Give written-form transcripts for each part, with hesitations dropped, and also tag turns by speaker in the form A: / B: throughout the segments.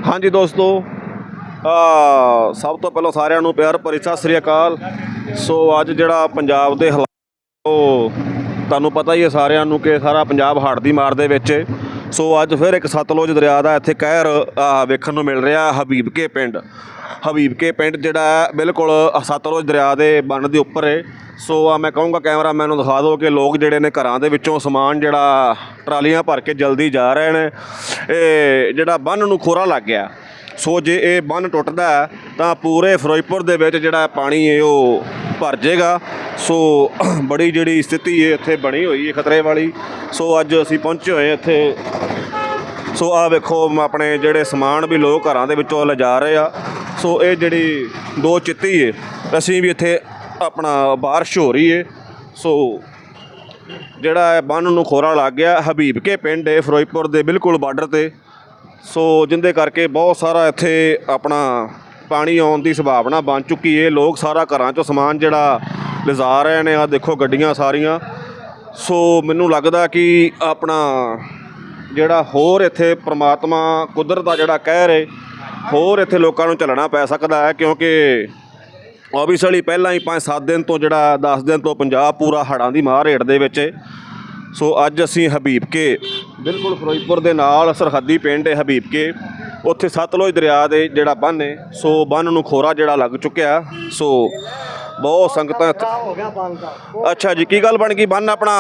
A: हाँ जी दोस्तों, सब तो पहलों सारिਆਂ ਨੂੰ ਪਿਆਰ ਭਰੀ ਸਤਿ ਸ੍ਰੀ ਅਕਾਲ। ਸੋ ਅੱਜ ਜਿਹੜਾ ਪੰਜਾਬ ਦੇ ਹਾਲਾਤ ਉਹ ਤੁਹਾਨੂੰ ਪਤਾ ਹੀ ਹੈ ਸਾਰਿਆਂ ਨੂੰ ਕਿ ਸਾਰਾ ਪੰਜਾਬ ਹੜ੍ਹ ਦੀ ਮਾਰ ਦੇ ਵਿੱਚ। ਸੋ ਅੱਜ ਫਿਰ ਇੱਕ ਸਤਲੁਜ ਦਰਿਆ ਦਾ ਇੱਥੇ ਕਹਿਰ ਵੇਖਣ ਨੂੰ ਮਿਲ ਰਿਹਾ। ਹਬੀਬਕੇ ਪਿੰਡ ਜਿਹੜਾ ਬਿਲਕੁਲ ਸਤਲੁਜ ਦਰਿਆ ਦੇ ਬੰਨ ਦੇ ਉੱਪਰ ਹੈ। ਸੋ ਮੈਂ ਕਹੂੰਗਾ ਕੈਮਰਾਮੈਨ ਨੂੰ ਦਿਖਾ ਦਿਓ ਕਿ ਲੋਕ ਜਿਹੜੇ ਨੇ ਘਰਾਂ ਦੇ ਵਿੱਚੋਂ ਸਮਾਨ ਜਿਹੜਾ ਟਰਾਲੀਆਂ ਭਰ ਕੇ ਜਲਦੀ ਜਾ ਰਹੇ ਨੇ। ਇਹ ਜਿਹੜਾ ਬੰਨ ਨੂੰ ਖੋਰਾ ਲੱਗ ਗਿਆ। ਸੋ ਜੇ ਇਹ ਬੰਨ ਟੁੱਟਦਾ ਤਾਂ ਪੂਰੇ ਫਿਰੋਜ਼ਪੁਰ ਦੇ ਵਿੱਚ ਜਿਹੜਾ ਪਾਣੀ ਹੈ ਉਹ ਭਰ ਜਾਏਗਾ। ਸੋ ਬੜੀ ਜਿਹੜੀ ਸਥਿਤੀ ਹੈ ਇੱਥੇ ਬਣੀ ਹੋਈ ਹੈ ਖਤਰੇ ਵਾਲੀ। ਸੋ ਅੱਜ ਅਸੀਂ ਪਹੁੰਚੇ ਹੋਏ ਇੱਥੇ। ਸੋ ਆਹ ਵੇਖੋ ਆਪਣੇ ਜਿਹੜੇ ਸਮਾਨ ਵੀ ਲੋਕ ਘਰਾਂ ਦੇ ਵਿੱਚੋਂ ਲਿਜਾ ਰਹੇ ਆ। ਸੋ ਇਹ ਜਿਹੜੀ ਦੋ ਚਿੱਤੀ ਹੈ ਅਸੀਂ ਵੀ ਇੱਥੇ ਆਪਣਾ ਬਾਰਿਸ਼ ਹੋ ਰਹੀ ਹੈ। ਸੋ ਜਿਹੜਾ ਬੰਨ ਨੂੰ ਖੋਰਾ ਲੱਗ ਗਿਆ। ਹਬੀਬਕੇ ਪਿੰਡ ਹੈ ਫਿਰੋਜ਼ਪੁਰ ਦੇ ਬਿਲਕੁਲ ਬਾਰਡਰ 'ਤੇ। ਸੋ ਜਿਹਦੇ ਕਰਕੇ ਬਹੁਤ ਸਾਰਾ ਇੱਥੇ ਆਪਣਾ ਪਾਣੀ ਆਉਣ ਦੀ ਸੰਭਾਵਨਾ ਬਣ ਚੁੱਕੀ ਹੈ। ਲੋਕ ਸਾਰਾ ਘਰਾਂ 'ਚੋਂ ਸਮਾਨ ਜਿਹੜਾ ਲਿਜਾ ਰਹੇ ਨੇ। ਆਹ ਦੇਖੋ ਗੱਡੀਆਂ ਸਾਰੀਆਂ। ਸੋ ਮੈਨੂੰ ਲੱਗਦਾ ਕਿ ਆਪਣਾ ਜਿਹੜਾ ਹੋਰ ਇੱਥੇ ਪ੍ਰਮਾਤਮਾ ਕੁਦਰਤ ਦਾ ਜਿਹੜਾ ਕਹਿਰ ਹੈ ਹੋਰ ਇੱਥੇ ਲੋਕਾਂ ਨੂੰ ਝੱਲਣਾ ਪੈ ਸਕਦਾ ਹੈ, ਕਿਉਂਕਿ ਓਬਵੀਅਸਲੀ ਪਹਿਲਾਂ ਹੀ 5-7 ਦਿਨ ਤੋਂ ਜਿਹੜਾ 10 ਦਿਨ ਤੋਂ ਪੰਜਾਬ ਪੂਰਾ ਹੜ੍ਹਾਂ ਦੀ ਮਾਰ ਹੇਠ ਦੇ ਵਿੱਚ। ਸੋ ਅੱਜ ਅਸੀਂ ਹਬੀਬਕੇ ਬਿਲਕੁਲ ਫਿਰੋਜ਼ਪੁਰ ਦੇ ਨਾਲ ਸਰਹੱਦੀ ਪਿੰਡ ਹੈ ਹਬੀਬਕੇ। ਉੱਥੇ ਸਤਲੁਜ ਦਰਿਆ ਦੇ ਜਿਹੜਾ ਬੰਨ ਹੈ ਸੋ ਬੰਨ ਨੂੰ ਖੋਰਾ ਜਿਹੜਾ ਲੱਗ ਚੁੱਕਿਆ। ਸੋ ਬਹੁਤ ਸੰਗਤਾਂ
B: ਹੋ ਗਿਆ ਬੰਨ ਦਾ।
A: ਅੱਛਾ ਜੀ, ਕੀ ਗੱਲ ਬਣ ਗਈ? ਬੰਨ ਆਪਣਾ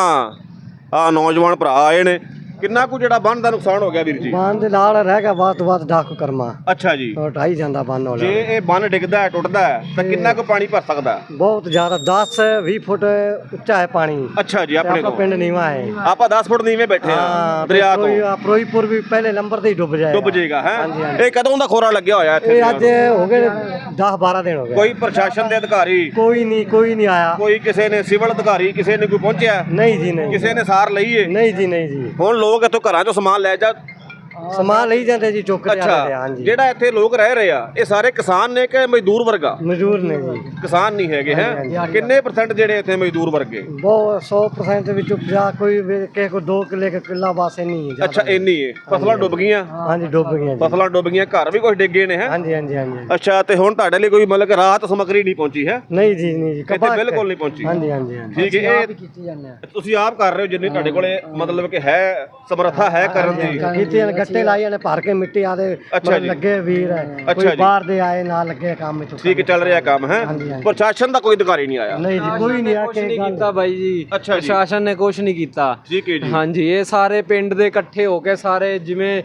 A: ਆਹ ਨੌਜਵਾਨ ਭਰਾ ਆਏ ਨੇ। ਕਿੰਨਾ ਕੁ ਜਿਹੜਾ ਬੰਨ ਦਾ ਨੁਕਸਾਨ ਹੋ ਗਿਆ ਵੀਰ ਜੀ?
B: ਬੰਨ ਦੇ ਨਾਲ ਰਹਿ ਗਿਆ ਵੱਧ ਤੋਂ ਵੱਧ 10 ਕਰਮਾ।
A: ਅੱਛਾ ਜੀ,
B: ਉਹ ਢਾਈ ਜਾਂਦਾ ਬੰਨ ਵਾਲਾ।
A: ਜੇ ਇਹ ਬੰਨ ਡਿੱਗਦਾ ਹੈ ਟੁੱਟਦਾ ਹੈ ਤਾਂ ਕਿੰਨਾ ਕੁ ਪਾਣੀ ਭਰ ਸਕਦਾ?
B: ਬਹੁਤ ਜ਼ਿਆਦਾ 10-20 ਫੁੱਟ ਉੱਚਾ ਹੈ ਪਾਣੀ।
A: ਅੱਛਾ ਜੀ, ਆਪਣੇ
B: ਆਪਣਾ
A: ਤੋਂ
B: ਪਿੰਡ ਨੀਵਾ ਹੈ।
A: ਆਪਾਂ 10 ਫੁੱਟ ਨੀਵੇਂ ਬੈਠੇ ਆ ਦਰਿਆ ਤੋਂ।
B: ਫਿਰੋਜ਼ਪੁਰ ਵੀ ਪਹਿਲੇ ਨੰਬਰ ਤੇ ਹੀ ਡੁੱਬ
A: ਜਾਏਗਾ ਹੈ। ਇਹ ਕਦੋਂ ਦਾ ਖੋਰਾ ਲੱਗਿਆ ਹੋਇਆ ਇੱਥੇ?
B: ਇਹ ਅੱਜ ਹੋ ਗਏ 10-12 ਦਿਨ ਹੋ ਗਏ।
A: ਕੋਈ ਪ੍ਰਸ਼ਾਸਨ ਦੇ ਅਧਿਕਾਰੀ
B: ਕੋਈ ਨਹੀਂ ਆਇਆ।
A: ਕੋਈ ਕਿਸੇ ਨੇ ਸਿਵਲ ਅਧਿਕਾਰੀ ਕਿਸੇ ਨੇ ਕੋਈ ਪਹੁੰਚਿਆ?
B: ਨਹੀਂ ਜੀ ਨਹੀਂ।
A: ਕਿਸੇ ਨੇ ਸਾਰ ਲਈ ਏ?
B: ਨਹੀਂ ਜੀ।
A: ਹੁਣ ਲੋਕ ਇੱਥੋਂ ਘਰਾਂ ਚੋਂ ਸਮਾਨ ਲੈ ਜਾ
B: ਸਮਾਨ ਲਈ ਜਾਂਦੇ ਜੀ, ਚੁੱਕ ਕੇ ਜਾਂਦੇ। ਹਾਂਜੀ,
A: ਜਿਹੜਾ ਇੱਥੇ ਲੋਕ ਰਹਿ ਰਹੇ ਆ ਇਹ ਸਾਰੇ ਕਿਸਾਨ ਨੇ ਕਿ ਮਜ਼ਦੂਰ ਵਰਗਾ?
B: ਮਜ਼ਦੂਰ ਨੇ ਜੀ,
A: ਕਿਸਾਨ ਨਹੀਂ ਹੈਗੇ ਹੈ। ਕਿੰਨੇ % ਜਿਹੜੇ ਇੱਥੇ ਮਜ਼ਦੂਰ ਵਰਗੇ?
B: ਬਹੁਤ 100% ਵਿੱਚੋਂ 50 ਕੋਈ ਕਿਸੇ ਕੋ 2 ਕਿੱਲੇ ਕਿੱਲਾ ਬਾਸੇ ਨਹੀਂ ਹੈ।
A: ਅੱਛਾ, ਇੰਨੀ ਹੈ। ਫਸਲਾਂ ਡੁੱਬ ਗਈਆਂ?
B: ਹਾਂਜੀ ਡੁੱਬ ਗਈਆਂ।
A: ਫਸਲਾਂ ਡੁੱਬ ਗਈਆਂ, ਘਰ ਵੀ ਕੁਝ ਡਿੱਗੇ ਨੇ ਹੈ।
B: ਹਾਂਜੀ।
A: ਅੱਛਾ, ਤੇ ਹੁਣ ਤੁਹਾਡੇ ਲਈ ਕੋਈ ਮਤਲਬ ਰਾਹਤ ਸਮੱਗਰੀ ਨਹੀਂ ਪਹੁੰਚੀ ਹੈ?
B: ਨਹੀਂ ਜੀ
A: ਇੱਥੇ ਬਿਲਕੁਲ ਨਹੀਂ ਪਹੁੰਚੀ।
B: ਹਾਂਜੀ
A: ਠੀਕ ਹੈ। ਇਹ ਤੁਸੀਂ ਆਪ ਕਰ ਰਹੇ ਹੋ ਜਿੰਨੀ ਤੁਹਾਡੇ ਕੋਲੇ ਮਤਲਬ ਕਿ ਹੈ ਸਮਰੱਥਾ ਹੈ ਕਰਨ ਦੀ?
B: ਕੀਤੀਆਂ ਗੱਟੇ ਲਾਈਆਂ ਨੇ ਭਰ ਕੇ ਮਿੱਟੀ ਆਦੇ ਲੱਗੇ ਵੀਰ ਹੈ। ਕੋਈ ਬਾਹਰ ਦੇ ਆਏ ਨਾਲ ਲੱਗੇ ਕੰਮ ਵਿੱਚ।
A: ਠੀਕ ਚੱਲ ਰਿਹਾ ਕੰਮ ਹੈ। ਪ੍ਰਸ਼ਾਸਨ ਦਾ ਕੋਈ ਅਧਿਕਾਰੀ ਨਹੀਂ ਆਇਆ?
B: ਨਹੀਂ ਜੀ, ਕੋਈ ਨਹੀਂ ਆ ਕੇ
C: ਕੀਤਾ ਬਾਈ ਜੀ। ਪ੍ਰਸ਼ਾਸਨ ਨੇ ਕੁਝ ਨਹੀਂ ਕੀਤਾ।
A: ਠੀਕ ਹੈ ਜੀ।
C: ਹਾਂਜੀ, ਇਹ ਸਾਰੇ ਪਿੰਡ ਦੇ ਇਕੱਠੇ ਹੋ ਕੇ ਸਾਰੇ ਜਿਵੇਂ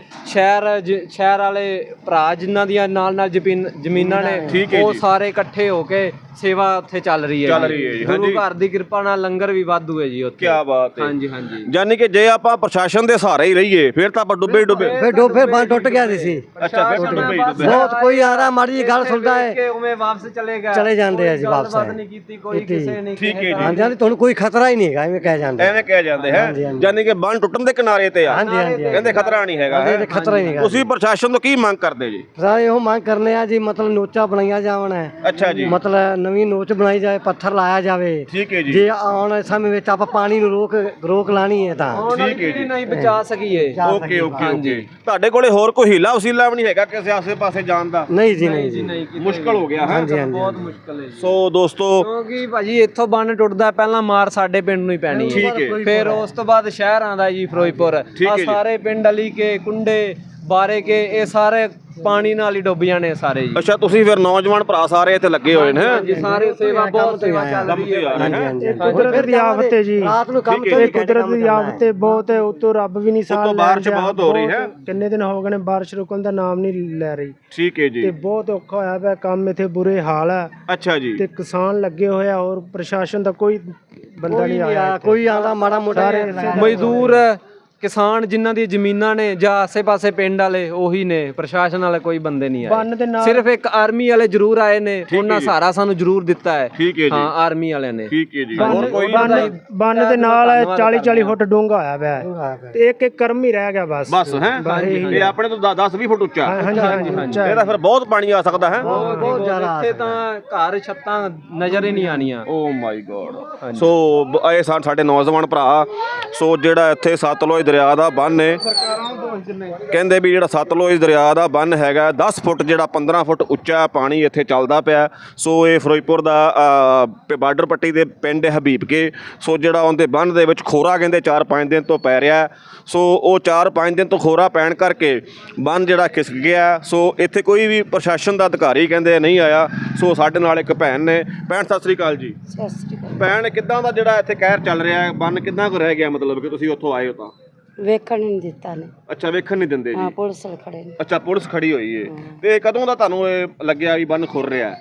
C: ਸ਼ਹਿਰ ਵਾਲੇ ਭਰਾ ਜਿਨ੍ਹਾਂ ਦੀਆਂ ਨਾਲ ਜ਼ਮੀਨਾਂ ਨੇ ਉਹ ਸਾਰੇ ਇਕੱਠੇ ਹੋ ਕੇ ਸੇਵਾ ਉੱਥੇ ਚੱਲ ਰਹੀ ਹੈ ਜੀ। ਗੁਰੂ ਘਰ ਦੀ ਕਿਰਪਾ ਨਾਲ ਲੰਗਰ ਵੀ ਵਾਧੂ ਹੈ ਜੀ ਉੱਥੇ।
A: ਕੀ ਬਾਤ ਹੈ।
C: ਹਾਂਜੀ।
A: ਯਾਨੀ ਕਿ ਜੇ ਆਪਾਂ ਪ੍ਰਸ਼ਾਸਨ ਦੇ ਸਹਾਰੇ ਹੀ ਰਹੀਏ ਫਿਰ ਤਾਂ ਆਪਾਂ
B: ਫਿਰ ਬੰਨ ਟੁੱਟ ਗਿਆ ਸੀ।
A: ਅੱਛਾ, ਫਿਰ ਡੁੱਬੇ
B: ਬਹੁਤ ਕੋਈ ਆ ਰਿਹਾ ਮਾੜੀ ਜੀ ਗੱਲ ਸੁਣਦਾ ਹੈ
C: ਕਿ ਉਵੇਂ ਵਾਪਸ
B: ਚਲੇ ਜਾਂਦੇ ਆ ਜੀ। ਵਾਪਸ
C: ਨਹੀਂ ਕੀਤੀ ਕੋਈ ਕਿਸੇ ਨੇ।
A: ਠੀਕ ਹੈ ਜੀ।
B: ਹਾਂਜੀ, ਤੁਹਾਨੂੰ ਕੋਈ ਖਤਰਾ ਹੀ ਨਹੀਂ ਹੈਗਾ ਐਵੇਂ ਕਹਿ ਜਾਂਦੇ
A: ਹੈ। ਯਾਨੀ ਕਿ ਬੰਨ ਟੁੱਟਣ ਦੇ ਕਿਨਾਰੇ ਤੇ ਆ।
B: ਹਾਂਜੀ।
A: ਕਹਿੰਦੇ ਖਤਰਾ ਨਹੀਂ ਹੈਗਾ।
B: ਖਤਰਾ ਹੀ ਨਹੀਂ ਹੈਗਾ।
A: ਤੁਸੀਂ ਪ੍ਰਸ਼ਾਸਨ ਤੋਂ ਕੀ ਮੰਗ ਕਰਦੇ ਜੀ?
B: ਸਾਰੇ ਇਹੋ ਮੰਗ ਕਰਨੇ ਆ ਜੀ, ਮਤਲਬ ਨੋਚਾਂ ਬਣਾਈਆਂ ਜਾਵਣ।
A: ਅੱਛਾ ਜੀ।
B: ਮਤਲਬ ਨਵੀਂ ਨੋਚ ਬਣਾਈ ਜਾਵੇ, ਪੱਥਰ ਲਾਇਆ ਜਾਵੇ।
A: ਠੀਕ ਹੈ ਜੀ।
B: ਜੇ ਆਉਣ ਵਾਲੇ ਸਮੇਂ ਵਿੱਚ ਆਪਾਂ ਪਾਣੀ ਨੂੰ ਰੋਕ ਲਾਣੀ ਹੈ ਤਾਂ
A: ਠੀਕ ਹੈ ਜੀ,
C: ਨਹੀਂ ਬਚਾ ਸਕੀਏ।
A: ਓਕੇ। ਤੁਹਾਡੇ ਕੋਲੇ ਹੋਰ ਕੋਈ ਹੀਲਾ ਵਸੀਲਾ ਵੀ ਨਹੀਂ ਹੈਗਾ ਕਿਸੇ ਆਸੇ ਪਾਸੇ ਜਾਣ ਦਾ?
B: ਨਹੀਂ ਜੀ।
A: ਮੁਸ਼ਕਲ ਹੋ ਗਿਆ ਹੈ।
C: ਬਹੁਤ ਮੁਸ਼ਕਲ ਹੈ ਜੀ।
A: ਸੋ ਦੋਸਤੋ,
C: ਕਿਉਂਕਿ ਭਾਜੀ ਇੱਥੋਂ ਬੰਨ ਟੁੱਟਦਾ ਪਹਿਲਾਂ ਮਾਰ ਸਾਡੇ ਪਿੰਡ ਨੂੰ ਹੀ ਪੈਣੀ ਹੈ। ਫਿਰ ਉਸ ਤੋਂ ਬਾਅਦ ਸ਼ਹਿਰ ਆਂਦਾ ਜੀ ਫਿਰੋਜ਼ਪੁਰ। ਆ ਸਾਰੇ ਪਿੰਡ ਅਲੀ ਕੇ ਕੁੰਡੇ ਬਾਰੇ ਕੇ ਇਹ ਸਾਰੇ ਪਾਣੀ ਨਾਲ ਹੀ ਡੁੱਬ ਜਾਣੇ ਸਾਰੇ ਜੀ।
A: ਅੱਛਾ, ਤੁਸੀਂ ਫਿਰ ਨੌਜਵਾਨ ਭਰਾ ਸਾਰੇ ਇੱਥੇ ਲੱਗੇ ਹੋਏ ਨੇ?
C: ਜੀ, ਸਾਰੇ ਸੇਵਾ ਬਹੁਤ ਸੇਵਾ ਚੱਲ ਰਹੀ ਹੈ।
B: ਕੁਦਰਤ ਦੀ ਆਫਤ ਹੈ ਜੀ। ਰਾਤ ਨੂੰ ਕੰਮ ਤੋਂ
D: ਕੁਦਰਤ ਦੀ ਆਫਤ ਬਹੁਤ ਹੈ। ਉਤੋਂ ਰੱਬ ਵੀ ਨਹੀਂ ਸਾਹ ਲੈ ਰਿਹਾ।
A: ਬਾਰਿਸ਼ ਬਹੁਤ ਹੋ ਰਹੀ ਹੈ।
D: ਕਿੰਨੇ ਦਿਨ ਹੋ ਗਏ ਨੇ ਬਾਰਿਸ਼ ਰੁਕਣ ਦਾ ਨਾਮ ਨਹੀਂ ਲੈ ਰਹੀ।
A: ਠੀਕ ਹੈ ਜੀ।
D: ਤੇ ਬਹੁਤ ਔਖਾ ਹੋਇਆ ਪਿਆ ਕੰਮ, ਇੱਥੇ ਬੁਰੇ ਹਾਲ ਹੈ।
A: ਅੱਛਾ ਜੀ।
D: ਤੇ ਕਿਸਾਨ ਲੱਗੇ ਹੋਇਆ, ਹੋਰ ਪ੍ਰਸ਼ਾਸਨ ਦਾ ਕੋਈ ਬੰਦਾ ਨਹੀਂ ਆਇਆ।
B: ਕੋਈ ਆਂਦਾ ਮਾੜਾ ਮੋਟਾ
C: ਮਜ਼ਦੂਰ ਕਿਸਾਨ ਜਿਨ੍ਹਾਂ ਦੀ ਜ਼ਮੀਨਾਂ ਨੇ ਜਾਂ ਆਸੇ-ਪਾਸੇ ਪਿੰਡ ਵਾਲੇ ਉਹੀ ਨੇ। ਪ੍ਰਸ਼ਾਸਨ ਵਾਲੇ ਕੋਈ ਬੰਦੇ ਨਹੀਂ ਆਏ। ਸਿਰਫ ਇੱਕ ਆਰਮੀ ਵਾਲੇ ਜ਼ਰੂਰ ਆਏ ਨੇ, ਉਹਨਾਂ ਸਹਾਰਾ ਸਾਨੂੰ ਜ਼ਰੂਰ ਦਿੱਤਾ ਹੈ। ਹਾਂ, ਆਰਮੀ ਵਾਲਿਆਂ ਨੇ।
A: ਠੀਕ ਹੈ ਜੀ।
D: ਬੰਨ ਦੇ ਨਾਲ 40-40 ਫੁੱਟ ਡੂੰਘਾ ਹੋਇਆ ਪਿਆ ਤੇ ਇੱਕ ਕਰਮ ਹੀ ਰਹਿ ਗਿਆ ਬਸ
A: ਹੈ। ਇਹ ਆਪਣੇ ਤੋਂ 10-20 ਫੁੱਟ ਉੱਚਾ।
D: ਹਾਂਜੀ।
A: ਇਹਦਾ ਫਿਰ ਬਹੁਤ ਪਾਣੀ ਆ ਸਕਦਾ ਹੈ।
C: ਬਹੁਤ ਜ਼ਿਆਦਾ। ਇੱਥੇ ਤਾਂ ਘਰ ਛੱਤਾਂ ਨਜ਼ਰ ਹੀ ਨਹੀਂ ਆਣੀਆਂ।
A: ਓ ਮਾਈ ਗੋਡ। ਸੋ ਇਹ ਸਾਡੇ ਨੌਜਵਾਨ ਭਰਾ। ਸੋ ਜਿਹੜਾ ਇੱਥੇ ਸਤਲੁਜ ਦਰਿਆ ਦਾ ਬੰਨ੍ਹ ਹੈ। ਕਹਿੰਦੇ ਵੀ ਜਿਹੜਾ ਸਤਲੁਜ ਦਰਿਆ ਦਾ ਬੰਨ੍ਹ ਹੈਗਾ 10 ਫੁੱਟ ਜਿਹੜਾ 15 ਫੁੱਟ ਉੱਚਾ ਪਾਣੀ ਇੱਥੇ ਚੱਲਦਾ ਪਿਆ। ਸੋ ਇਹ ਫਿਰੋਜ਼ਪੁਰ ਦਾ ਬਾਰਡਰ ਪੱਟੀ ਦੇ ਪਿੰਡ ਹਬੀਬਕੇ। ਸੋ ਜਿਹੜਾ ਉਹਦੇ ਬੰਨ੍ਹ ਦੇ ਵਿੱਚ ਖੋਰਾ ਕਹਿੰਦੇ 4-5 ਦਿਨ ਤੋਂ ਪੈ ਰਿਹਾ। ਸੋ ਉਹ 4-5 ਦਿਨ ਤੋਂ ਖੋਰਾ ਪੈਣ ਕਰਕੇ ਬੰਨ੍ਹ ਜਿਹੜਾ ਖਿਸਕ ਗਿਆ। ਸੋ ਇੱਥੇ ਕੋਈ ਵੀ ਪ੍ਰਸ਼ਾਸਨ ਦਾ ਅਧਿਕਾਰੀ ਕਹਿੰਦੇ ਨਹੀਂ ਆਇਆ। ਸੋ ਸਾਡੇ ਨਾਲ ਇੱਕ ਭੈਣ ਨੇ। ਭੈਣ ਸਤਿ ਸ੍ਰੀ ਅਕਾਲ ਜੀ।
E: ਸਤਿ ਸ੍ਰੀ ਅਕਾਲ।
A: ਭੈਣ ਕਿੱਦਾਂ ਦਾ ਜਿਹੜਾ ਇੱਥੇ ਕਹਿਰ ਚੱਲ ਰਿਹਾ ਹੈ, ਬੰਨ੍ਹ ਕਿੱਦਾਂ ਕੁ ਰਹਿ ਗਿਆ, ਮਤਲਬ ਕਿ ਤੁਸੀਂ ਉੱਥੋਂ ਆਏ ਹੋ ਤਾਂ?
E: ਵੇਖਣ ਨਹੀਂ ਦਿੱਤਾ ਨੇ।
A: ਅੱਛਾ, ਵੇਖਣ ਨਹੀਂ ਦਿੰਦੇ
E: ਹਾਂ,
A: ਜੀ।
E: ਪੁਲਿਸ ਵਾਲੇ ਖੜੇ ਨੇ।
A: ਅੱਛਾ, ਪੁਲਿਸ ਖੜੀ ਹੋਈ ਏ। ਤੇ ਕਦੋਂ ਦਾ ਤੁਹਾਨੂੰ ਇਹ ਲੱਗਿਆ ਵੀ ਬੰਨ੍ਹ ਖੁਰ ਰਿਹਾ?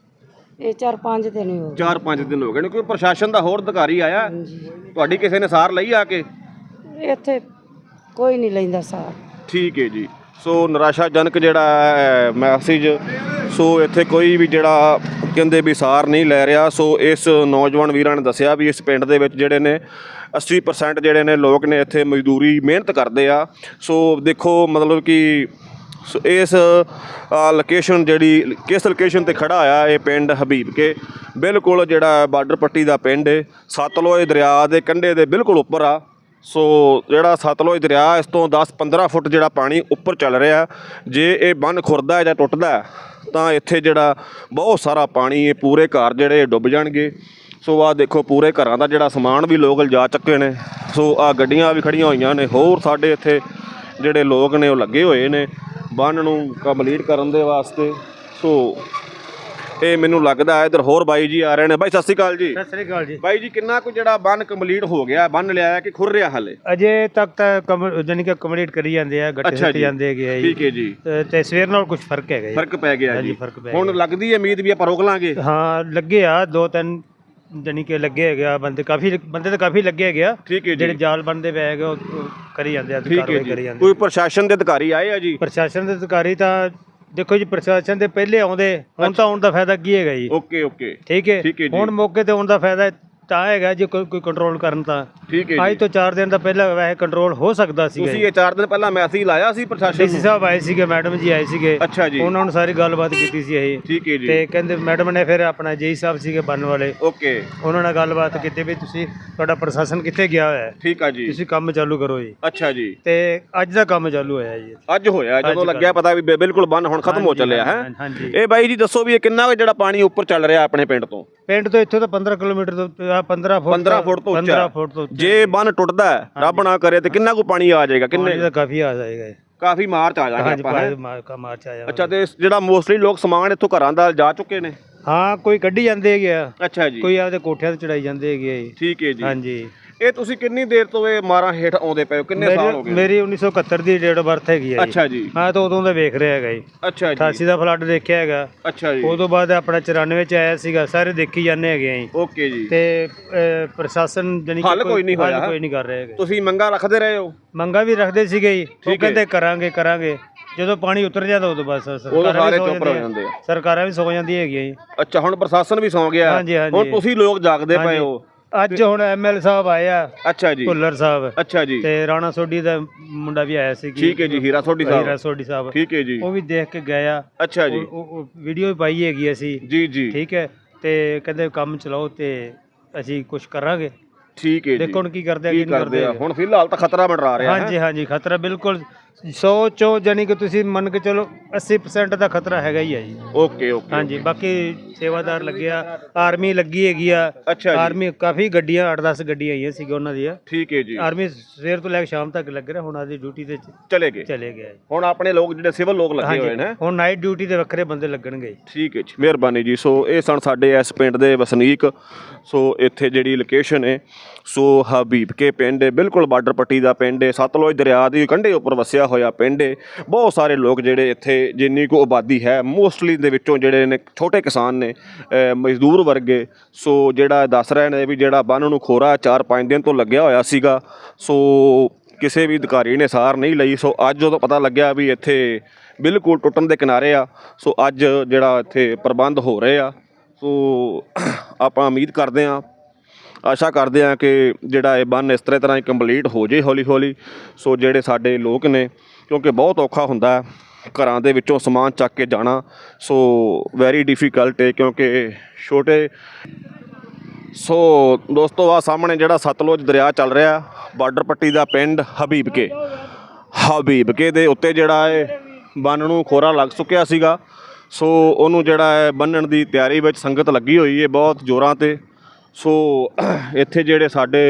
E: ਇਹ 4-5 ਦਿਨ ਹੀ ਹੋ ਗਏ।
A: 4-5 ਦਿਨ ਹੋ ਗਏ ਨੇ। ਕੋਈ ਪ੍ਰਸ਼ਾਸਨ ਦਾ ਹੋਰ ਅਧਿਕਾਰੀ ਆਇਆ?
E: ਹਾਂਜੀ।
A: ਤੁਹਾਡੀ ਕਿਸੇ ਨੇ ਸਾਰ ਲਈ ਆ ਕੇ?
E: ਇੱਥੇ ਕੋਈ ਨਹੀਂ ਲੈਂਦਾ ਸਾਰ।
A: ਠੀਕ ਹੈ ਜੀ। ਸੋ ਨਿਰਾਸ਼ਾਜਨਕ ਜਿਹੜਾ ਹੈ ਮੈਸੇਜ। ਸੋ ਇੱਥੇ ਕੋਈ ਵੀ ਜਿਹੜਾ ਕਹਿੰਦੇ ਵੀ ਸਾਰ ਨਹੀਂ ਲੈ ਰਿਹਾ। ਸੋ ਇਸ ਨੌਜਵਾਨ ਵੀਰਾਂ ਨੇ ਦੱਸਿਆ ਵੀ ਇਸ ਪਿੰਡ ਦੇ ਵਿੱਚ ਜਿਹੜੇ ਨੇ 80% ਜਿਹੜੇ ਨੇ ਲੋਕ ਨੇ ਇੱਥੇ ਮਜ਼ਦੂਰੀ ਮਿਹਨਤ ਕਰਦੇ ਆ। ਸੋ ਦੇਖੋ ਮਤਲਬ ਕਿ ਇਸ ਲੋਕੇਸ਼ਨ ਜਿਹੜੀ ਕਿਸ ਲੋਕੇਸ਼ਨ ਤੇ ਖੜਾ ਆ ਇਹ ਪਿੰਡ ਹਬੀਬਕੇ, ਬਿਲਕੁਲ ਜਿਹੜਾ ਬਾਰਡਰ ਪੱਟੀ ਦਾ ਪਿੰਡ ਹੈ, ਸਤਲੁਜ ਦਰਿਆ ਦੇ ਕੰਢੇ ਦੇ ਬਿਲਕੁਲ ਉੱਪਰ ਆ। ਸੋ ਜਿਹੜਾ ਸਤਲੁਜ ਦਰਿਆ ਇਸ ਤੋਂ 10-15 ਫੁੱਟ ਜਿਹੜਾ ਪਾਣੀ ਉੱਪਰ ਚੱਲ ਰਿਹਾ। ਜੇ ਇਹ ਬੰਨ੍ਹ ਖੁਰਦਾ ਜਾਂ ਟੁੱਟਦਾ ਤਾਂ ਇੱਥੇ ਜਿਹੜਾ ਬਹੁਤ ਸਾਰਾ ਪਾਣੀ ਇਹ ਪੂਰੇ ਘਰ ਜਿਹੜੇ ਡੁੱਬ ਜਾਣਗੇ। ਸੋ ਆਹ ਦੇਖੋ ਪੂਰੇ ਘਰਾਂ ਦਾ ਜਿਹੜਾ ਸਮਾਨ ਵੀ ਲੋਕ ਲਿਜਾ ਚੁੱਕੇ ਨੇ। ਸੋ ਆਹ ਗੱਡੀਆਂ ਵੀ ਖੜੀਆਂ ਹੋਈਆਂ ਨੇ। ਹੋਰ ਸਾਡੇ ਇੱਥੇ ਜਿਹੜੇ ਲੋਕ ਨੇ ਉਹ ਲੱਗੇ ਹੋਏ ਨੇ ਬੰਨ੍ਹ ਨੂੰ ਕੰਪਲੀਟ ਕਰਨ ਦੇ ਵਾਸਤੇ। ਸੋ ਇਹ ਮੈਨੂੰ ਲੱਗਦਾ ਇੱਧਰ ਹੋਰ ਬਾਈ ਜੀ ਆ ਰਹੇ ਨੇ। ਬਾਈ ਸਤਿ ਸ਼੍ਰੀ ਅਕਾਲ ਜੀ।
D: ਸਤਿ ਸ੍ਰੀ ਅਕਾਲ ਜੀ।
A: ਬਾਈ ਜੀ ਕਿੰਨਾ ਕੁ ਜਿਹੜਾ ਬੰਨ ਕੰਪਲੀਟ ਹੋ ਗਿਆ, ਬੰਨ ਲਿਆ ਹੈ ਕਿ ਖੁਰ ਰਿਹਾ ਹਾਲੇ?
D: ਅਜੇ ਤੱਕ ਤਾਂ ਜਾਨੀ ਕਿ ਕੰਪਲੀਟ ਕਰੀ ਜਾਂਦੇ ਆ, ਗੱਟੇ ਸਿੱਟ ਜਾਂਦੇ ਹੈਗੇ ਆ ਜੀ।
A: ਠੀਕ ਹੈ ਜੀ।
D: ਤੇ ਸਵੇਰ ਨਾਲ ਕੁਝ ਫਰਕ ਹੈਗਾ ਜੀ।
A: ਫਰਕ ਪੈ ਗਿਆ ਜੀ।
D: ਫਰਕ ਪੈ
A: ਹੁਣ ਲੱਗਦੀ ਹੈ ਉਮੀਦ ਵੀ ਆਪਾਂ ਰੋਕ ਲਾਂਗੇ?
D: ਹਾਂ, ਲੱਗੇ ਆ 2-3 ਜਾਨੀ ਕਿ ਲੱਗੇ ਹੈਗੇ ਆ ਬੰਦੇ ਤਾਂ ਕਾਫੀ ਲੱਗੇ ਹੈਗੇ ਆ।
A: ਠੀਕ ਹੈ ਜੀ।
D: ਜਿਹੜੇ ਜਾਲ ਬਣਦੇ ਪਏ ਹੈਗੇ ਉਹ ਕਰੀ ਜਾਂਦੇ ਆ, ਕਾਰਵਾਈ ਕਰੀ ਜਾਂਦੇ।
A: ਕੋਈ ਪ੍ਰਸ਼ਾਸਨ ਦੇ ਅਧਿਕਾਰੀ ਆਏ ਆ ਜੀ?
D: ਪ੍ਰਸ਼ਾਸਨ ਦੇ ਅਧਿਕਾਰੀ ਤਾਂ ਦੇਖੋ ਜੀ, ਪ੍ਰਸ਼ਾਸਨ ਦੇ ਪਹਿਲੇ ਆਉਂਦੇ, ਹੁਣ ਤਾਂ ਆਉਣ ਦਾ ਫਾਇਦਾ ਕੀ ਹੈਗਾ ਜੀ?
A: ਓਕੇ ਓਕੇ,
D: ਠੀਕ ਹੈ। ਹੁਣ ਮੌਕੇ ਤੇ ਆਉਣ ਦਾ ਫਾਇਦਾ ਤਾਂ ਹੈਗਾ ਜੇ ਕੋਈ ਕੰਟਰੋਲ ਕਰਨ ਤਾਂ।
A: ਠੀਕ ਹੈ
D: ਅੱਜ ਤੋਂ 4 ਦਿਨ ਦਾ ਪਹਿਲਾਂ ਵੈਸੇ ਕੰਟਰੋਲ ਹੋ ਸਕਦਾ ਸੀ।
A: ਤੁਸੀਂ ਇਹ 4 ਦਿਨ ਪਹਿਲਾਂ ਮੈਸੇਜ ਲਾਇਆ ਸੀ ਪ੍ਰਸ਼ਾਸਨ
D: ਡੀਸੀ ਸਾਹਿਬ ਆਏ ਸੀਗੇ, ਮੈਡਮ ਜੀ ਆਏ ਸੀਗੇ।
A: ਅੱਛਾ ਜੀ।
D: ਉਹਨਾਂ ਨੂੰ ਸਾਰੀ ਗੱਲਬਾਤ ਕੀਤੀ ਸੀ ਇਹ।
A: ਠੀਕ ਹੈ ਜੀ।
D: ਤੇ ਕਹਿੰਦੇ ਮੈਡਮ ਨੇ ਫਿਰ ਆਪਣਾ ਜੇਈ ਸਾਹਿਬ ਸੀਗੇ ਬੰਨ ਵਾਲੇ,
A: ਓਕੇ,
D: ਉਹਨਾਂ ਨਾਲ ਗੱਲਬਾਤ ਕੀਤੀ ਵੀ ਤੁਸੀਂ ਤੁਹਾਡਾ ਪ੍ਰਸ਼ਾਸਨ ਕਿੱਥੇ ਗਿਆ ਹੋਇਆ ਹੈ,
A: ਠੀਕ ਆ ਜੀ,
D: ਤੁਸੀਂ ਕੰਮ ਚਾਲੂ ਕਰੋ ਜੀ।
A: ਅੱਛਾ ਜੀ।
D: ਤੇ ਅੱਜ ਦਾ ਕੰਮ ਚਾਲੂ ਹੋਇਆ ਜੀ।
A: ਅੱਜ ਹੋਇਆ, ਜਦੋਂ ਲੱਗਿਆ ਪਤਾ ਵੀ ਬਿਲਕੁਲ ਬੰਨ ਹੁਣ ਖਤਮ ਹੋ ਚੱਲਿਆ ਹੈ।
D: ਹਾਂਜੀ।
A: ਇਹ ਬਾਈ ਜੀ ਦੱਸੋ ਵੀ ਇਹ ਕਿੰਨਾ ਕੁ ਜਿਹੜਾ ਪਾਣੀ ਉੱਪਰ ਚੱਲ ਰਿਹਾ ਆਪਣੇ ਪਿੰਡ ਤੋਂ?
D: ਪਿੰਡ ਤੋਂ ਇੱਥੋਂ ਤਾਂ 15 ਕਿਲੋਮੀਟਰ ਤੋਂ 15 ਫੁੱਟ
A: 15 ਫੁੱਟ ਤੋਂ ਉੱਚਾ।
D: 15 ਫੁੱਟ ਤੋਂ।
A: ਜੇ ਬੰਨ ਟੁੱਟਦਾ ਰੱਬ ਨਾ ਕਰੇ ਤੇ ਕਿੰਨਾ ਕੁ ਪਾਣੀ ਆ ਜਾਏਗਾ? ਕਿੰਨੇ?
D: ਤਾਂ ਕਾਫੀ ਆ ਜਾਏਗਾ।
A: ਕਾਫੀ ਮਾਰਚ ਆ ਜਾਏਗਾ ਆਪਾਂ।
D: ਮਾਰਚ ਆ ਜਾਏਗਾ।
A: ਅੱਛਾ, ਤੇ ਜਿਹੜਾ ਮੋਸਟਲੀ ਲੋਕ ਸਮਾਨ ਇੱਥੋਂ ਘਰਾਂ ਦਾ ਜਾ ਚੁੱਕੇ ਨੇ?
D: ਹਾਂ, ਕੋਈ ਕੱਢੀ ਜਾਂਦੇ ਹੈਗੇ ਆ।
A: ਅੱਛਾ ਜੀ।
D: ਕੋਈ ਆਪਦੇ ਕੋਠਿਆਂ ਤੇ ਚੜਾਈ ਜਾਂਦੇ ਹੈਗੇ ਆ ਜੀ।
A: ਠੀਕ ਹੈ ਜੀ।
D: ਹਾਂਜੀ।
A: ਇਹ ਤੁਸੀਂ ਕਿੰਨੀ ਦੇਰ ਤੋਂ ਇਹ ਮਾਰਾਂ ਹੇਠ ਆਉਂਦੇ ਪਏ ਹੋ? ਕਿੰਨੇ ਸਾਲ ਹੋ ਗਏ?
D: ਮੇਰੀ 1971 ਦੀ ਡੇਟ ਆਫ ਬਰਥ ਹੈਗੀ ਆ ਜੀ।
A: ਅੱਛਾ ਜੀ।
D: ਹਾਂ, ਤਾਂ ਉਦੋਂ ਦਾ ਵੇਖ ਰਿਹਾ ਹੈਗਾ ਜੀ।
A: ਅੱਛਾ ਜੀ।
D: 88 ਦਾ ਫਲੱਡ ਦੇਖਿਆ ਹੈਗਾ।
A: ਅੱਛਾ ਜੀ।
D: ਉਦੋਂ ਬਾਅਦ ਆਪਣਾ 94 ਚ ਆਇਆ ਸੀਗਾ। ਸਾਰੇ ਦੇਖੀ ਜਾਂਦੇ ਹੈਗੇ ਆ ਜੀ।
A: ਓਕੇ ਜੀ।
D: ਤੇ ਪ੍ਰਸ਼ਾਸਨ ਜਾਨੀ
A: ਹੱਲ ਕੋਈ ਨਹੀਂ ਹੋਇਆ?
D: ਕੋਈ ਨਹੀਂ ਕਰ ਰਿਹਾ ਹੈਗਾ।
A: ਤੁਸੀਂ ਮੰਗਾਂ ਰੱਖਦੇ ਰਹੇ ਹੋ?
D: ਮੰਗਾਂ ਵੀ ਰੱਖਦੇ ਸੀਗੇ ਜੀ। ਉਹ ਕਹਿੰਦੇ ਕਰਾਂਗੇ। ਜਦੋਂ ਪਾਣੀ ਉਤਰ ਜਾਂਦਾ ਉਦੋਂ ਬਸ
A: ਸਾਰੇ ਚੁੱਪ ਹੋ ਜਾਂਦੇ ਆ।
D: ਸਰਕਾਰਾਂ ਵੀ ਸੌ ਜਾਂਦੀਆਂ ਹੈਗੀਆਂ ਜੀ।
A: ਅੱਛਾ, ਹੁਣ ਪ੍ਰਸ਼ਾਸਨ ਵੀ ਸੌਂ ਗਿਆ।
D: ਹਾਂਜੀ, ਹਾਂਜੀ।
A: ਹੁਣ ਤੁਸੀਂ ਲੋਕ ਜਾਗਦੇ ਪਏ ਹੋ।
D: ਅੱਜ ਹੁਣ ਐਮਐਲ ਸਾਹਿਬ ਆਏ ਆ।
A: ਅੱਛਾ ਜੀ।
D: ਭੁੱਲਰ ਸਾਹਿਬ।
A: ਅੱਛਾ ਜੀ।
D: ਤੇ ਰਾਣਾ ਸੋਢੀ ਦਾ ਮੁੰਡਾ ਵੀ ਆਇਆ ਸੀ।
A: ਠੀਕ ਹੈ ਜੀ। ਹੀਰਾ ਸੋਢੀ ਸਾਹਿਬ। ਠੀਕ ਹੈ ਜੀ।
D: ਉਹ ਵੀ ਦੇਖ ਕੇ ਗਏ ਆ।
A: ਅੱਛਾ ਜੀ।
D: ਉਹ ਵੀਡੀਓ ਵੀ ਪਾਈ ਹੈਗੀ ਅਸੀਂ।
A: ਜੀ ਜੀ।
D: ਠੀਕ ਹੈ। ਤੇ ਕਹਿੰਦੇ ਕੰਮ ਚਲਾਓ ਤੇ ਅਸੀਂ ਕੁਝ ਕਰਾਂਗੇ।
A: ਠੀਕ ਹੈ ਜੀ।
D: ਦੇਖੋ ਹੁਣ ਕੀ ਕਰਦੇ ਆ
A: ਕੀ ਕਰਦੇ ਆ। ਹੁਣ ਫਿਲਹਾਲ ਤਾਂ ਖਤਰਾ ਮੰਡਰਾ ਰਿਹਾ ਹੈ।
D: ਹਾਂਜੀ ਹਾਂਜੀ, ਖਤਰਾ ਬਿਲਕੁਲ 100 ਚੋਂ ਜਾਨੀ ਕਿ ਤੁਸੀਂ ਮੰਨ ਕੇ ਚਲੋ 80% ਦਾ ਖਤਰਾ ਹੈਗਾ ਹੀ ਆ ਜੀ।
A: Okay okay.
D: ਹਾਂਜੀ, ਬਾਕੀ ਸੇਵਾਦਾਰ ਲੱਗਿਆ, ਆਰਮੀ ਲੱਗੀ ਹੈਗੀ ਆ।
A: ਅੱਛਾ ਜੀ।
D: ਆਰਮੀ ਕਾਫੀ ਗੱਡੀਆਂ 8-10 ਗੱਡੀਆਂ ਆਈਆਂ ਸੀ ਉਹਨਾਂ ਦੀਆਂ।
A: ਠੀਕ ਹੈ ਜੀ।
D: ਆਰਮੀ ਸਵੇਰ ਤੋਂ ਲੈ ਕੇ ਸ਼ਾਮ ਤੱਕ ਲੱਗ ਰਿਹਾ। ਹੁਣ ਆਦੀ ਡਿਊਟੀ ਤੇ
A: ਚਲੇ ਗਏ। ਹੁਣ ਆਪਣੇ ਲੋਕ ਜਿਹੜੇ ਸਿਵਲ ਲੋਕ ਲੱਗੇ ਹੋਏ ਨੇ।
D: ਹੁਣ ਨਾਈਟ ਡਿਊਟੀ ਦੇ ਵੱਖਰੇ ਬੰਦੇ ਲੱਗਣਗੇ।
A: ਠੀਕ ਹੈ ਜੀ, ਮਿਹਰਬਾਨੀ ਜੀ। ਸੋ ਇਹ ਸਨ ਸਾਡੇ ਇਸ ਪਿੰਡ ਦੇ ਵਸਨੀਕ। ਸੋ ਇੱਥੇ ਜਿਹੜੀ ਲੋਕੇਸ਼ਨ ਹੈ ਸੋ ਹਬੀਬਕੇ ਪਿੰਡ ਹੈ, ਬਿਲਕੁਲ ਬਾਰਡਰ ਪੱਟੀ ਦਾ ਪਿੰਡ ਹੈ, ਸਤਲੁਜ ਦਰਿਆ ਦੀ ਕੰਢੇ ਉੱਪਰ ਵਸਿਆ ਹੋਇਆ ਪਿੰਡ ਹੈ। ਬਹੁਤ ਸਾਰੇ ਲੋਕ ਜਿਹੜੇ ਇੱਥੇ ਜਿੰਨੀ ਕੁ ਆਬਾਦੀ ਹੈ ਮੋਸਟਲੀ ਦੇ ਵਿੱਚੋਂ ਜਿਹੜੇ ਨੇ ਛੋਟੇ ਕਿਸਾਨ ਨੇ, ਮਜ਼ਦੂਰ ਵਰਗੇ। ਸੋ ਜਿਹੜਾ ਦੱਸ ਰਹੇ ਨੇ ਵੀ ਜਿਹੜਾ ਬੰਨ ਨੂੰ ਖੋਰਾ 4-5 ਦਿਨ ਤੋਂ ਲੱਗਿਆ ਹੋਇਆ ਸੀਗਾ। ਸੋ ਕਿਸੇ ਵੀ ਅਧਿਕਾਰੀ ਨੇ ਸਾਰ ਨਹੀਂ ਲਈ। ਸੋ ਅੱਜ ਜਦੋਂ ਪਤਾ ਲੱਗਿਆ ਵੀ ਇੱਥੇ ਬਿਲਕੁਲ ਟੁੱਟਣ ਦੇ ਕਿਨਾਰੇ ਆ, ਸੋ ਅੱਜ ਜਿਹੜਾ ਇੱਥੇ ਪ੍ਰਬੰਧ ਹੋ ਰਹੇ ਆ। ਸੋ ਆਪਾਂ ਉਮੀਦ ਕਰਦੇ ਹਾਂ, ਆਸ਼ਾ ਕਰਦੇ ਹਾਂ ਕਿ ਜਿਹੜਾ ਇਹ ਬੰਨ ਇਸ ਤਰ੍ਹਾਂ ਹੀ ਕੰਪਲੀਟ ਹੋ ਜੇ ਹੌਲੀ ਹੌਲੀ। ਸੋ ਜਿਹੜੇ ਸਾਡੇ ਲੋਕ ਨੇ, ਕਿਉਂਕਿ ਬਹੁਤ ਔਖਾ ਹੁੰਦਾ ਘਰਾਂ ਦੇ ਵਿੱਚੋਂ ਸਮਾਨ ਚੱਕ ਕੇ ਜਾਣਾ। ਸੋ ਵੈਰੀ ਡਿਫੀਕਲਟ ਹੈ, ਕਿਉਂਕਿ ਛੋਟੇ ਸੋ ਦੋਸਤੋ ਆ ਸਾਹਮਣੇ ਜਿਹੜਾ ਸਤਲੁਜ ਦਰਿਆ ਚੱਲ ਰਿਹਾ ਬਾਰਡਰ ਪੱਟੀ ਦਾ ਪਿੰਡ ਹਬੀਬਕੇ ਦੇ ਉੱਤੇ ਜਿਹੜਾ ਇਹ ਬੰਨ ਨੂੰ ਖੋਰਾ ਲੱਗ ਚੁੱਕਿਆ ਸੀਗਾ। ਸੋ ਉਹਨੂੰ ਜਿਹੜਾ ਹੈ ਬੰਨਣ ਦੀ ਤਿਆਰੀ ਵਿੱਚ ਸੰਗਤ ਲੱਗੀ ਹੋਈ ਹੈ ਬਹੁਤ ਜ਼ੋਰਾਂ ਤੇ। ਸੋ ਇੱਥੇ ਜਿਹੜੇ ਸਾਡੇ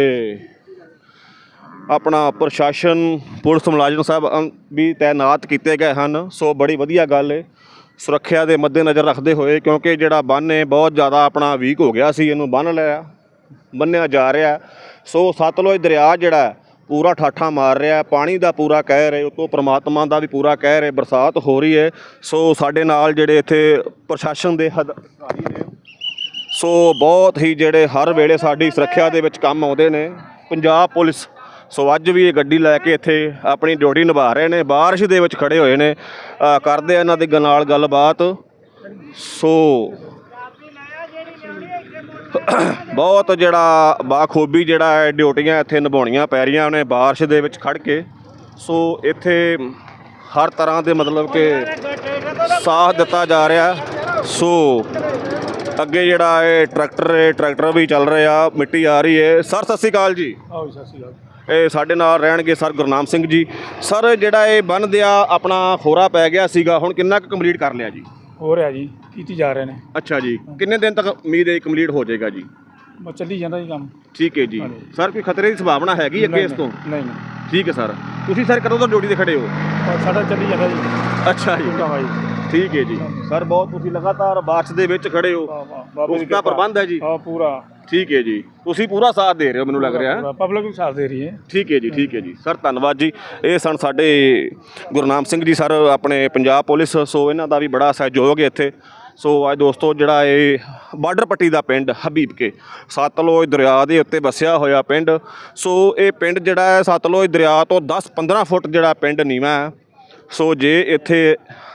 A: ਆਪਣਾ ਪ੍ਰਸ਼ਾਸਨ ਪੁਲਿਸ ਮੁਲਾਜ਼ਮ ਸਾਹਿਬ ਵੀ ਤਾਇਨਾਤ ਕੀਤੇ ਗਏ ਹਨ। ਸੋ ਬੜੀ ਵਧੀਆ ਗੱਲ ਹੈ ਸੁਰੱਖਿਆ ਦੇ ਮੱਦੇਨਜ਼ਰ ਰੱਖਦੇ ਹੋਏ, ਕਿਉਂਕਿ ਜਿਹੜਾ ਬੰਨ੍ਹ ਹੈ ਬਹੁਤ ਜ਼ਿਆਦਾ ਆਪਣਾ ਵੀਕ ਹੋ ਗਿਆ ਸੀ, ਇਹਨੂੰ ਬੰਨ੍ਹਿਆ ਜਾ ਰਿਹਾ। ਸੋ ਸਤਲੁਜ ਦਰਿਆ ਜਿਹੜਾ ਪੂਰਾ ਠਾਠਾਂ ਮਾਰ ਰਿਹਾ, ਪਾਣੀ ਦਾ ਪੂਰਾ ਕਹਿਰ ਹੈ, ਉਤੋਂ ਪ੍ਰਮਾਤਮਾ ਦਾ ਵੀ ਪੂਰਾ ਕਹਿਰ ਹੈ, ਬਰਸਾਤ ਹੋ ਰਹੀ ਹੈ। ਸੋ ਸਾਡੇ ਨਾਲ ਜਿਹੜੇ ਇੱਥੇ ਪ੍ਰਸ਼ਾਸਨ ਦੇ ਅਧਿਕਾਰੀ ਨੇ, ਸੋ ਬਹੁਤ ਹੀ ਜਿਹੜੇ ਹਰ ਵੇਲੇ ਸਾਡੀ ਸੁਰੱਖਿਆ ਦੇ ਵਿੱਚ ਕੰਮ ਆਉਂਦੇ ਨੇ, ਪੰਜਾਬ ਪੁਲਿਸ। ਸੋ ਅੱਜ ਵੀ ਇਹ ਗੱਡੀ ਲੈ ਕੇ ਇੱਥੇ ਆਪਣੀ ਡਿਊਟੀ ਨਿਭਾ ਰਹੇ ਨੇ, ਬਾਰਿਸ਼ ਦੇ ਵਿੱਚ ਖੜੇ ਹੋਏ ਨੇ, ਕਰਦੇ ਆ ਇਹਨਾਂ ਦੇ ਨਾਲ ਗੱਲਬਾਤ। ਸੋ ਬਹੁਤ ਜਿਹੜਾ ਬਾਖੂਬੀ ਜਿਹੜਾ ਹੈ ਡਿਊਟੀਆਂ ਇੱਥੇ ਨਿਭਾਉਣੀਆਂ ਪੈ ਰਹੀਆਂ ਨੇ ਬਾਰਿਸ਼ ਦੇ ਵਿੱਚ ਖੜ੍ਹ ਕੇ। ਸੋ ਇੱਥੇ ਹਰ ਤਰ੍ਹਾਂ ਦੇ ਮਤਲਬ ਕਿ ਸਾਥ ਦਿੱਤਾ ਜਾ ਰਿਹਾ। ਸੋ ਅੱਗੇ ਜਿਹੜਾ ਇਹ ਟਰੈਕਟਰ ਵੀ ਚੱਲ ਰਿਹਾ, ਮਿੱਟੀ ਆ ਰਹੀ ਹੈ। ਸਰ ਸਤਿ ਸ਼੍ਰੀ ਅਕਾਲ ਜੀ।
F: ਸਤਿ ਸ਼੍ਰੀ ਅਕਾਲ।
A: ਇਹ ਸਾਡੇ ਨਾਲ ਰਹਿਣਗੇ ਸਰ ਗੁਰਨਾਮ ਸਿੰਘ ਜੀ। ਸਰ ਜਿਹੜਾ ਇਹ ਬੰਨ੍ਹ ਦਿਆ ਆਪਣਾ ਖੋਰਾ ਪੈ ਗਿਆ ਸੀਗਾ, ਹੁਣ ਕਿੰਨਾ ਕੁ ਕੰਪਲੀਟ ਕਰ ਲਿਆ ਜੀ?
F: ਹੋ ਰਿਹਾ ਜੀ, ਕੀਤੀ ਜਾ ਰਹੇ ਨੇ।
A: ਅੱਛਾ ਜੀ, ਕਿੰਨੇ ਦਿਨ ਤੱਕ ਉਮੀਦ ਹੈ ਕੰਪਲੀਟ ਹੋ ਜਾਏਗਾ ਜੀ?
F: ਬਸ ਚੱਲੀ ਜਾਂਦਾ ਜੀ ਕੰਮ।
A: ਠੀਕ ਹੈ ਜੀ। ਸਰ ਕੋਈ ਖਤਰੇ ਦੀ ਸੰਭਾਵਨਾ ਹੈਗੀ ਅੱਗੇ ਇਸ ਤੋਂ?
F: ਨਹੀਂ।
A: ਠੀਕ ਹੈ ਸਰ। ਤੁਸੀਂ ਸਰ ਕਦੋਂ ਤੋਂ ਡਿਊਟੀ ਤੇ ਖੜੇ ਹੋ?
F: ਸਾਡਾ ਚੱਲੀ ਜਾਂਦਾ ਜੀ।
A: ਅੱਛਾ ਜੀ, ਠੀਕ ਹੈ ਜੀ। ਸਰ ਬਹੁਤ ਤੁਸੀਂ ਲਗਾਤਾਰ ਬਾਰਿਸ਼ ਦੇ ਵਿੱਚ ਖੜੇ ਹੋ, ਉਸ ਦਾ ਪ੍ਰਬੰਧ ਹੈ ਜੀ?
F: ਹਾਂ ਪੂਰਾ।
A: ਠੀਕ ਹੈ ਜੀ, ਤੁਸੀਂ ਪੂਰਾ ਸਾਥ ਦੇ ਰਹੇ ਹੋ ਮੈਨੂੰ ਲੱਗ ਰਿਹਾ।
F: ਪਬਲਿਕ ਵੀ ਸਾਥ ਦੇ ਰਹੀ ਹੈ।
A: ਠੀਕ ਹੈ ਜੀ, ਠੀਕ ਹੈ ਜੀ ਸਰ, ਧੰਨਵਾਦ ਜੀ। ਇਹ ਸਨ ਸਾਡੇ ਗੁਰਨਾਮ ਸਿੰਘ ਜੀ ਸਰ, ਆਪਣੇ ਪੰਜਾਬ ਪੁਲਿਸ। ਸੋ ਇਹਨਾਂ ਦਾ ਵੀ ਬੜਾ ਸਹਿਯੋਗ ਹੈ ਇੱਥੇ। ਸੋ ਅੱਜ ਦੋਸਤੋ ਜਿਹੜਾ ਇਹ ਬਾਰਡਰ ਪੱਟੀ ਦਾ ਪਿੰਡ ਹਬੀਬਕੇ ਸਤਲੁਜ ਦਰਿਆ ਦੇ ਉੱਤੇ ਵਸਿਆ ਹੋਇਆ ਪਿੰਡ। ਸੋ ਇਹ ਪਿੰਡ ਜਿਹੜਾ ਹੈ ਸਤਲੁਜ ਦਰਿਆ ਤੋਂ 10-15 ਫੁੱਟ ਜਿਹੜਾ ਪਿੰਡ ਨੀਵਾਂ ਹੈ। ਸੋ ਜੇ ਇੱਥੇ